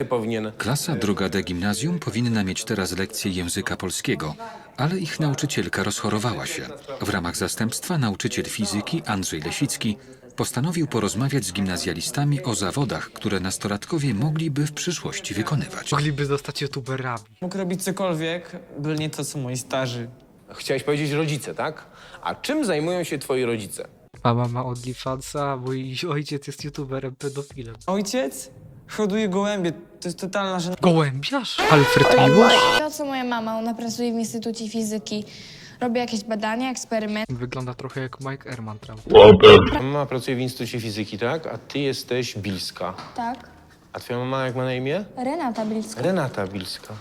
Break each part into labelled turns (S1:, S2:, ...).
S1: powinien.
S2: Klasa druga D gimnazjum powinna mieć teraz lekcję języka polskiego, ale ich nauczycielka rozchorowała się. W ramach zastępstwa nauczyciel fizyki Andrzej Lesicki postanowił porozmawiać z gimnazjalistami o zawodach, które nastolatkowie mogliby w przyszłości wykonywać.
S3: Mogliby zostać youtuberami.
S4: Mógł robić cokolwiek, byle nie to, co moi starzy.
S1: Chciałeś powiedzieć rodzice, tak? A czym zajmują się twoi rodzice?
S3: Mama ma OnlyFansa, a mój ojciec jest youtuberem pedofilem.
S4: Ojciec hoduje gołębie. To jest totalna żena.
S3: Gołębiarz? Alfred Miłosz?
S5: To, co moja mama, ona pracuje w Instytucie Fizyki. Robi jakieś badania, eksperymenty.
S3: Wygląda trochę jak Mike Ehrman, prawda?
S1: Mama pracuje w Instytucie Fizyki, tak? A ty jesteś Bilska.
S5: Tak.
S1: A twoja mama jak ma na imię?
S5: Renata Bilska.
S1: Renata Bilska.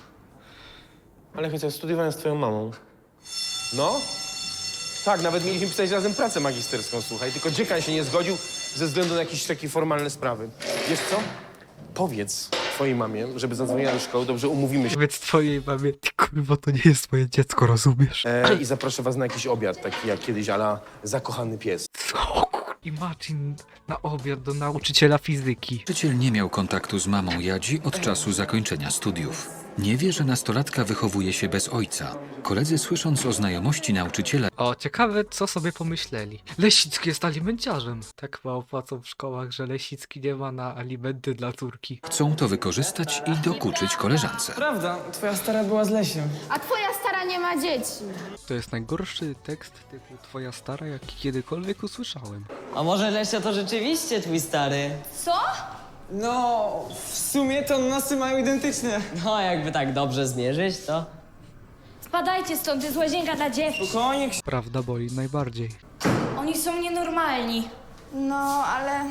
S1: Ale chociaż studiowałem z twoją mamą. No? Tak, nawet mieliśmy pisać razem pracę magisterską, słuchaj. Tylko dziekan się nie zgodził ze względu na jakieś takie formalne sprawy. Wiesz co? Powiedz twojej mamie, żeby zadzwoniła do szkoły, dobrze umówimy się.
S3: Powiedz twojej mamie, ty kurwa, to nie jest moje dziecko, rozumiesz?
S1: I zaproszę was na jakiś obiad, taki jak kiedyś, ala zakochany pies.
S3: Co? Imagine na obiad do nauczyciela fizyki.
S2: Nauczyciel nie miał kontaktu z mamą Jadzi od czasu zakończenia studiów. Nie wie, że nastolatka wychowuje się bez ojca. Koledzy, słysząc o znajomości nauczyciela,
S3: O, ciekawe, co sobie pomyśleli. Lesicki jest alimenciarzem. Tak mało płacą w szkołach, że Lesicki nie ma na alimenty dla córki.
S2: chcą to wykorzystać i dokuczyć koleżance.
S4: Prawda, twoja stara była z Lesiem.
S5: A twoja stara nie ma dzieci.
S3: To jest najgorszy tekst typu twoja stara, jaki kiedykolwiek usłyszałem.
S6: A może Lesia to rzeczywiście twój stary?
S5: Co?
S4: No, w sumie to nosy mają identyczne.
S6: No, jakby tak dobrze zmierzyć, to...
S5: Spadajcie stąd, to jest łazienka dla dziewczyn.
S4: Spokojnie,
S3: Prawda boli najbardziej.
S5: Oni są nienormalni. No, ale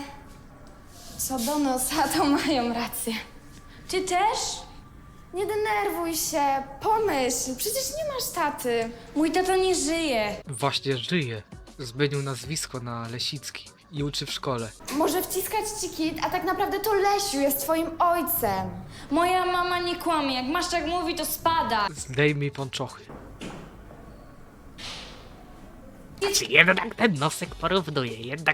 S5: co do nosa, to mają rację. Ty też? Nie denerwuj się, pomyśl, przecież nie masz taty. Mój tato nie żyje.
S3: Właśnie żyje. Zmienił nazwisko na Lesicki i uczy w szkole.
S5: Może wciskać ci kit, a tak naprawdę to Lesiu jest twoim ojcem. Moja mama nie kłamie, jak masz tak mówi, to spada.
S3: Zdejmij pończochy. Jednak ten nosek porównuje,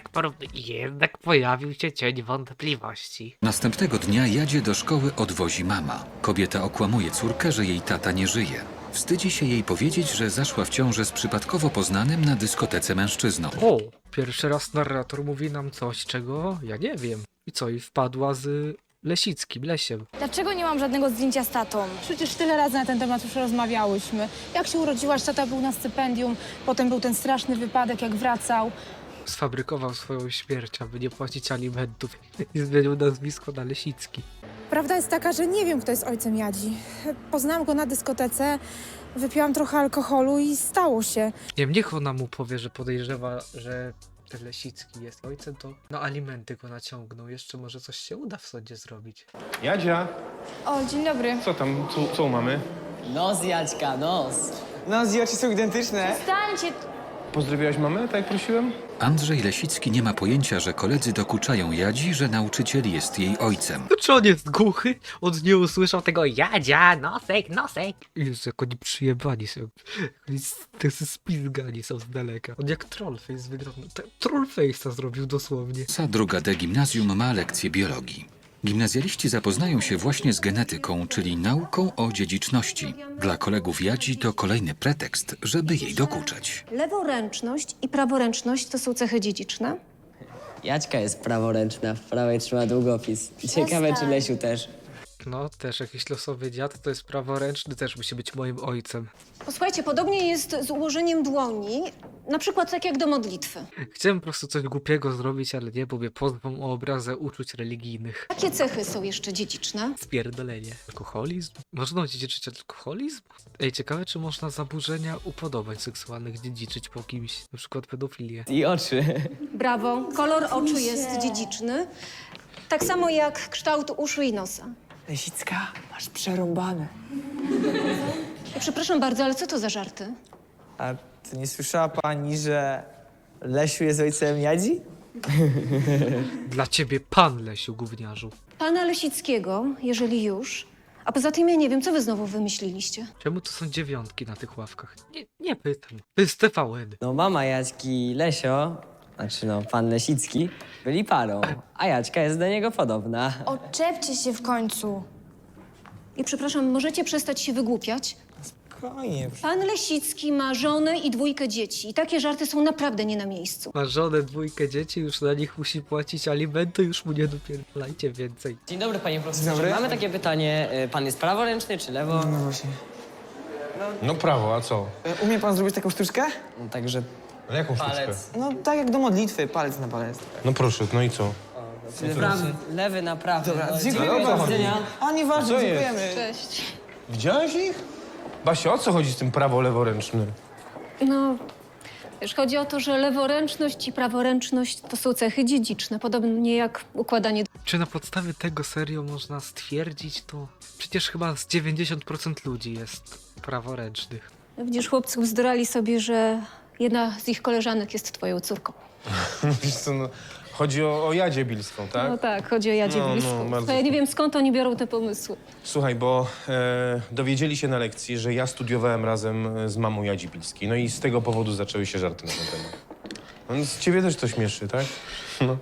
S3: jednak pojawił się cień wątpliwości.
S2: Następnego dnia Jadzie do szkoły odwozi mama. Kobieta okłamuje córkę, że jej tata nie żyje. Wstydzi się jej powiedzieć, że zaszła w ciążę z przypadkowo poznanym na dyskotece mężczyzną.
S3: O, pierwszy raz narrator mówi nam coś, czego ja nie wiem. I co, i wpadła z Lesickim, Lesiem.
S5: Dlaczego nie mam żadnego zdjęcia z tatą?
S7: Przecież tyle razy na ten temat już rozmawiałyśmy. Jak się urodziłaś, tata był na stypendium, potem był ten straszny wypadek, jak wracał.
S3: Sfabrykował swoją śmierć, aby nie płacić alimentów i zmienił nazwisko na Lesicki.
S7: Prawda jest taka, że nie wiem, kto jest ojcem Jadzi. Poznałam go na dyskotece, wypiłam trochę alkoholu i stało się.
S3: Nie, niech ona mu powie, że podejrzewa, że ten Lesicki jest ojcem, to na alimenty go naciągną. Jeszcze może coś się uda w sądzie zrobić.
S1: Jadzia,
S5: O, dzień dobry.
S1: co tam, co mamy?
S6: Nos, Jaćka, nos.
S4: nos i oczy są identyczne.
S5: Stańcie.
S1: Pozdrowiłaś mamę, tak jak prosiłem?
S2: Andrzej Lesicki nie ma pojęcia, że koledzy dokuczają Jadzi, że nauczyciel jest jej ojcem.
S3: To czy on jest głuchy? On nie usłyszał tego Jadzia, nosek, nosek. Jezu, jak oni przyjebani są. Oni tacy spizgani są z daleka. On jak Trollface wygląda. Trollface'a zrobił dosłownie.
S2: Klasa druga D gimnazjum ma lekcję biologii. Gimnazjaliści zapoznają się właśnie z genetyką, czyli nauką o dziedziczności. Dla kolegów Jadzi to kolejny pretekst, żeby jej dokuczać.
S8: Leworęczność i praworęczność to są cechy dziedziczne.
S6: Jaćka jest praworęczna, w prawej trzyma długopis. Ciekawe, czy Lesiu też.
S3: No, też jakiś losowy dziad, to jest praworęczny, też musi być moim ojcem.
S8: Posłuchajcie, podobnie jest z ułożeniem dłoni, na przykład tak jak do modlitwy.
S3: Chciałem po prostu coś głupiego zrobić, ale nie, bo mnie pozwą o obrazę uczuć religijnych.
S8: Jakie cechy są jeszcze dziedziczne?
S3: Spierdolenie. Alkoholizm? Można odziedziczyć alkoholizm? Ej, ciekawe, czy można zaburzenia upodobań seksualnych dziedziczyć po kimś, na przykład pedofilię.
S6: I oczy.
S8: Brawo, kolor oczu jest dziedziczny, tak samo jak kształt uszu i nosa.
S4: Lesicka, masz przerąbane.
S8: Przepraszam bardzo, ale co to za żarty?
S4: A to nie słyszała pani, że Lesiu jest ojcem Jadzi?
S3: Dla ciebie pan, Lesiu, gówniarzu.
S8: Pana Lesickiego, jeżeli już. A poza tym ja nie wiem, co wy znowu wymyśliliście.
S3: Czemu to są dziewiątki na tych ławkach? Nie pytam. To jest TVN.
S6: No mama Jaćki i Lesio, znaczy no pan Lesicki, byli parą, a Jaćka jest do niego podobna.
S5: Odczepcie się w końcu.
S8: I przepraszam, możecie przestać się wygłupiać?
S4: Spokojnie.
S8: Pan Lesicki ma żonę i 2 dzieci. I takie żarty są naprawdę nie na miejscu.
S3: Ma żonę, 2 dzieci, już na nich musi płacić alimenty, już mu nie dopierdolajcie więcej.
S6: Dzień dobry, panie profesorze.
S4: Dzień dobry.
S6: Mamy takie pytanie. Pan jest praworęczny czy lewo?
S4: No właśnie.
S1: No prawo, a co?
S4: Umie pan zrobić taką sztuczkę?
S6: No, także
S1: Ale jaką sztuczkę?
S6: palec.
S4: No tak jak do modlitwy, palec na palec.
S1: No proszę, no i co?
S6: Lewy na prawy.
S4: Dobra,
S6: No,
S4: dziękujemy.
S1: o co
S6: do
S1: chodzi?
S6: widzenia.
S4: A nieważne,
S1: Co jest?
S4: dziękujemy.
S1: Widziałeś ich? Basia, o co chodzi z tym prawo-leworęcznym?
S8: No, wiesz, chodzi o to, że leworęczność i praworęczność to są cechy dziedziczne, podobnie jak układanie.
S3: Czy na podstawie tego serio można stwierdzić to? Przecież chyba z 90% ludzi jest praworęcznych.
S8: Widzisz, chłopcy bzdurali sobie, że jedna z ich koleżanek jest twoją córką.
S1: Wiesz co, no, chodzi o Jadzie Bilską, tak?
S8: No tak, chodzi o Jadzie
S1: No, no,
S8: Bliską.
S1: bardzo
S8: Ja nie wiem, skąd oni biorą te pomysły.
S1: Słuchaj, bo dowiedzieli się na lekcji, że ja studiowałem razem z mamą Jadzi Bilskiej. No i z tego powodu zaczęły się żarty na ten temat. No, z ciebie też to śmieszy, tak? No.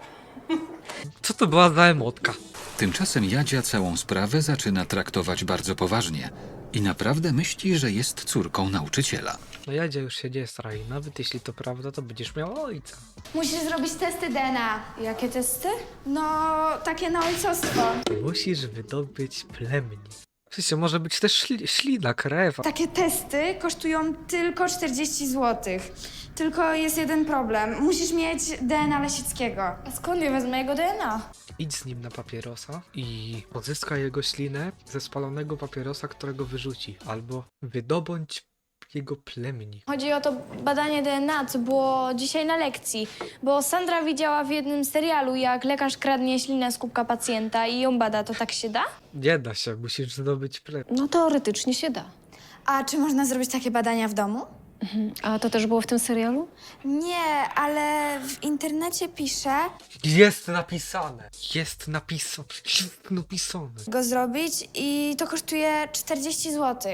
S3: Co to była za emotka?
S2: Tymczasem Jadzia całą sprawę zaczyna traktować bardzo poważnie i naprawdę myśli, że jest córką nauczyciela.
S3: No Jadzia już się nie straj. Nawet jeśli to prawda, to będziesz miał ojca.
S5: Musisz zrobić testy DNA. Jakie testy? No, takie na ojcostwo.
S3: Musisz wydobyć plemnik. W sensie może być też ślina, krew.
S5: Takie testy kosztują tylko 40 zł. Tylko jest jeden problem. Musisz mieć DNA Lesickiego. A skąd ja wezmę jego DNA?
S3: Idź z nim na papierosa i pozyskaj jego ślinę ze spalonego papierosa, którego wyrzuci. Albo wydobądź jego plemnik.
S5: Chodzi o to badanie DNA, co było dzisiaj na lekcji. Bo Sandra widziała w jednym serialu, jak lekarz kradnie ślinę z kubka pacjenta i ją bada. To tak się da?
S3: Nie da się, musisz zdobyć plemnik.
S8: No teoretycznie się da.
S5: A czy można zrobić takie badania w domu?
S8: A to też było w tym serialu?
S5: Nie, ale w internecie pisze
S3: Jest napisane. Jest napisane. Jest napisane.
S5: go zrobić i to kosztuje 40 zł.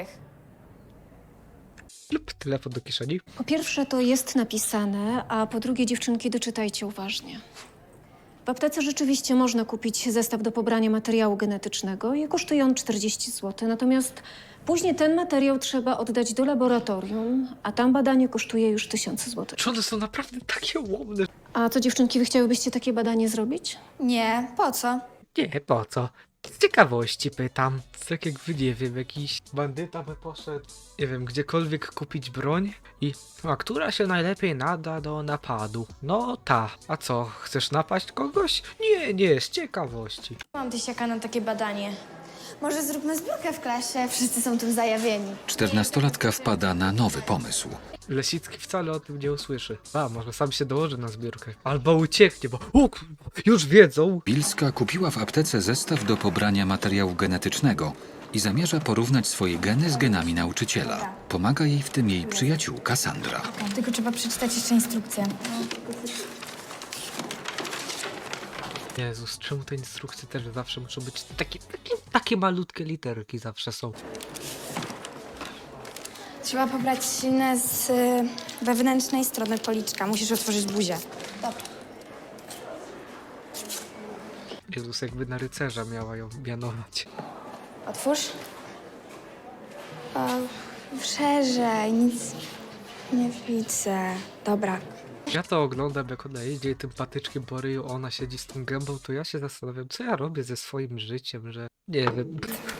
S3: Lub telefon do kieszeni.
S8: Po pierwsze to jest napisane, a po drugie dziewczynki doczytajcie uważnie. W aptece rzeczywiście można kupić zestaw do pobrania materiału genetycznego i kosztuje on 40 zł. Natomiast później ten materiał trzeba oddać do laboratorium, a tam badanie kosztuje już 1000 zł.
S3: Czy one są naprawdę takie łomne?
S8: A co dziewczynki, wy chciałybyście takie badanie zrobić?
S5: Nie, po co?
S3: Nie, po co? Z ciekawości pytam. Tak jak wy, nie wiem, jakiś bandyta by poszedł, nie wiem, gdziekolwiek kupić broń i... A która się najlepiej nada do napadu? No ta. A co, chcesz napaść kogoś? Nie, z ciekawości.
S5: Mam tysiaka na takie badanie. Może zróbmy zbiórkę w klasie, wszyscy są tym zajawieni.
S2: 14-latka wpada na nowy pomysł.
S3: Lesicki wcale o tym nie usłyszy. A, może sam się dołoży na zbiórkę. Albo ucieknie, bo już wiedzą.
S2: Bilska kupiła w aptece zestaw do pobrania materiału genetycznego i zamierza porównać swoje geny z genami nauczyciela. Pomaga jej w tym jej przyjaciółka Sandra.
S5: Tylko trzeba przeczytać jeszcze instrukcję.
S3: Jezus, czemu te instrukcje też zawsze muszą być takie malutkie literki zawsze są.
S5: Trzeba pobrać ślinę z wewnętrznej strony policzka. Musisz otworzyć buzię. Dobra.
S3: Jezus, jakby na rycerza miała ją mianować.
S5: Otwórz. O, szerzej, nic nie widzę. Dobra.
S3: Ja to oglądam, jak ona jeździ tym patyczkiem po ryju, ona siedzi z tą gębą, to ja się zastanawiam, co ja robię ze swoim życiem, że... Nie wiem.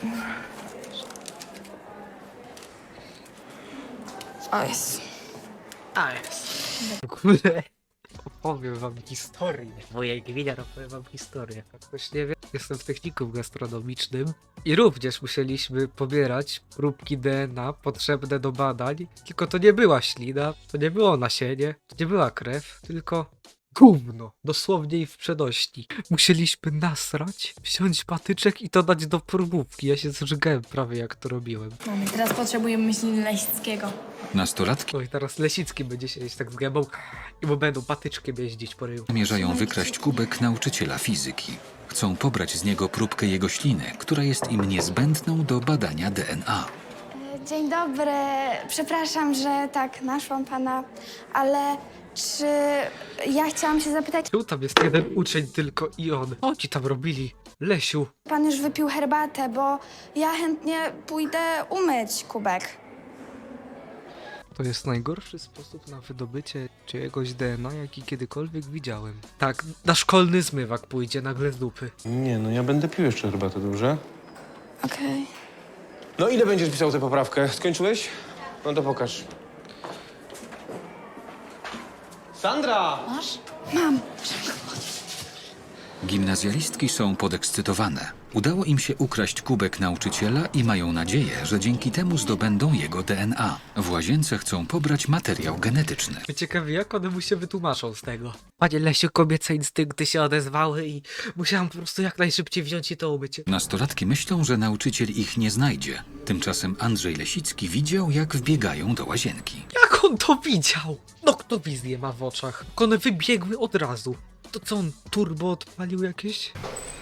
S5: O, jest.
S3: A jest. W ogóle opowiem wam historię. Moja gmina opowiem wam historię. Jak ktoś nie wie, jestem w technikum gastronomicznym i również musieliśmy pobierać próbki DNA potrzebne do badań. Tylko to nie była ślina, to nie było nasienie, to nie była krew, tylko gówno. Dosłownie i w przenośni. Musieliśmy nasrać, wziąć patyczek i to dać do próbówki. Ja się zżygałem prawie jak to robiłem.
S5: Teraz potrzebujemy śliny Lesickiego.
S2: Nastolatki
S3: No i teraz Lesicki będzie siedzieć tak z gębą i mu będą patyczkiem jeździć po ryju.
S2: zamierzają wykraść kubek nauczyciela fizyki. Chcą pobrać z niego próbkę jego śliny, która jest im niezbędną do badania DNA.
S5: Dzień dobry. Przepraszam, że tak naszłam pana, ale czy ja chciałam się zapytać,
S3: Tu tam jest jeden uczeń tylko i on. Co ci tam robili? Lesiu.
S5: pan już wypił herbatę, bo ja chętnie pójdę umyć kubek.
S3: To jest najgorszy sposób na wydobycie czyjegoś DNA, jaki kiedykolwiek widziałem. Tak, na szkolny zmywak pójdzie nagle z dupy.
S1: Nie, no ja będę pił jeszcze herbatę, dobrze?
S5: Okej.
S1: No ile będziesz pisał tę poprawkę? Skończyłeś? No to pokaż. Sandra!
S2: Gimnazjalistki są podekscytowane. Udało im się ukraść kubek nauczyciela i mają nadzieję, że dzięki temu zdobędą jego DNA. W łazience chcą pobrać materiał genetyczny.
S3: Ciekawie, jak one mu się wytłumaczą z tego. Panie Lesiu, kobiece instynkty się odezwały i musiałam po prostu jak najszybciej wziąć i to umyć.
S2: Nastolatki myślą, że nauczyciel ich nie znajdzie. Tymczasem Andrzej Lesicki widział, jak wbiegają do łazienki.
S3: Jak on to widział? No kto wizję ma w oczach? One wybiegły od razu. To co on, turbo odpalił jakieś?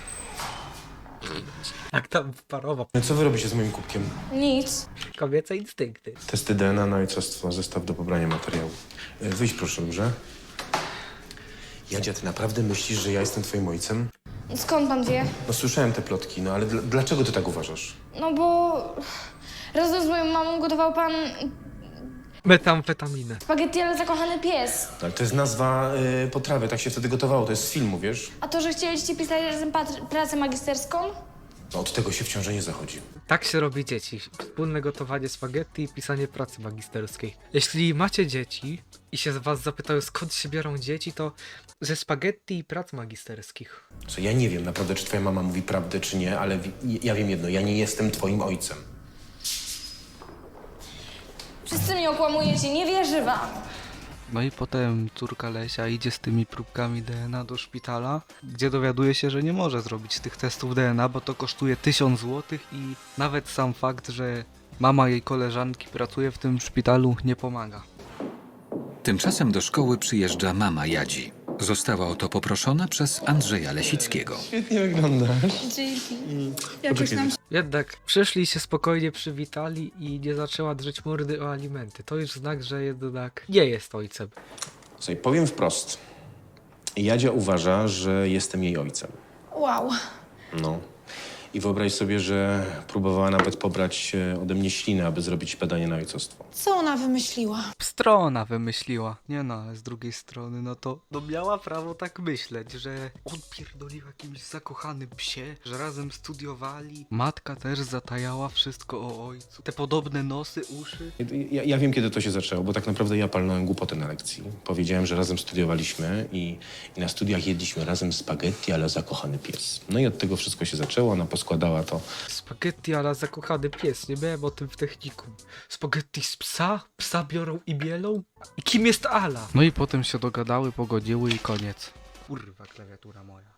S3: Jak tam wparował.
S1: No co wy robicie z moim kubkiem?
S5: Nic.
S3: Kobiece instynkty.
S1: Testy DNA na ojcostwo, zestaw do pobrania materiału. Wyjdź proszę, dobrze? Jadzia, ty naprawdę myślisz, że ja jestem twoim ojcem?
S5: Skąd pan wie?
S1: No słyszałem te plotki, no ale dlaczego ty tak uważasz?
S5: No bo razem z moją mamą gotował pan
S3: Metamfetaminę.
S5: spaghetti, ale zakochany pies.
S1: Ale to jest nazwa potrawy, tak się wtedy gotowało, to jest z filmu, wiesz?
S5: A to, że chcieliście pisać razem pracę magisterską?
S1: No od tego się w ciąży nie zachodzi.
S3: Tak się robi dzieci. Wspólne gotowanie spaghetti i pisanie pracy magisterskiej. Jeśli macie dzieci i się z was zapytają, skąd się biorą dzieci, to ze spaghetti i prac magisterskich.
S1: Co, ja nie wiem naprawdę, czy twoja mama mówi prawdę, czy nie, ale ja wiem jedno, ja nie jestem twoim ojcem.
S5: Wszyscy mnie okłamujecie, nie wierzę wam.
S9: No i potem córka Lesia idzie z tymi próbkami DNA do szpitala, gdzie dowiaduje się, że nie może zrobić tych testów DNA, bo to kosztuje 1000 zł i nawet sam fakt, że mama jej koleżanki pracuje w tym szpitalu, nie pomaga.
S2: Tymczasem do szkoły przyjeżdża mama Jadzi. Została o to poproszona przez Andrzeja Lesickiego.
S1: Świetnie wyglądasz.
S3: Jednak przyszli się spokojnie przywitali i nie zaczęła drzeć mordy o alimenty. To już znak, że jednak nie jest ojcem.
S1: Słuchaj, powiem wprost. Jadzia uważa, że jestem jej ojcem.
S5: Wow.
S1: No. I wyobraź sobie, że próbowała nawet pobrać ode mnie ślinę, aby zrobić badanie na ojcostwo.
S7: Co ona wymyśliła?
S9: Strona wymyśliła. Nie no, ale z drugiej strony, no to miała prawo tak myśleć, że on pierdolił jakimś zakochanym psie, że razem studiowali. Matka też zatajała wszystko o ojcu. Te podobne nosy, uszy.
S1: Ja wiem, kiedy to się zaczęło, bo tak naprawdę ja palnąłem głupotę na lekcji. Powiedziałem, że razem studiowaliśmy i na studiach jedliśmy razem spaghetti, ale zakochany pies. No i od tego wszystko się zaczęło, ona poskładała to.
S3: Spaghetti ala zakochany pies, nie miałem o tym w technikum. Spaghetti z psa? Psa biorą i bielą? I kim jest Ala?
S9: No i potem się dogadały, pogodziły i koniec. Kurwa, klawiatura moja.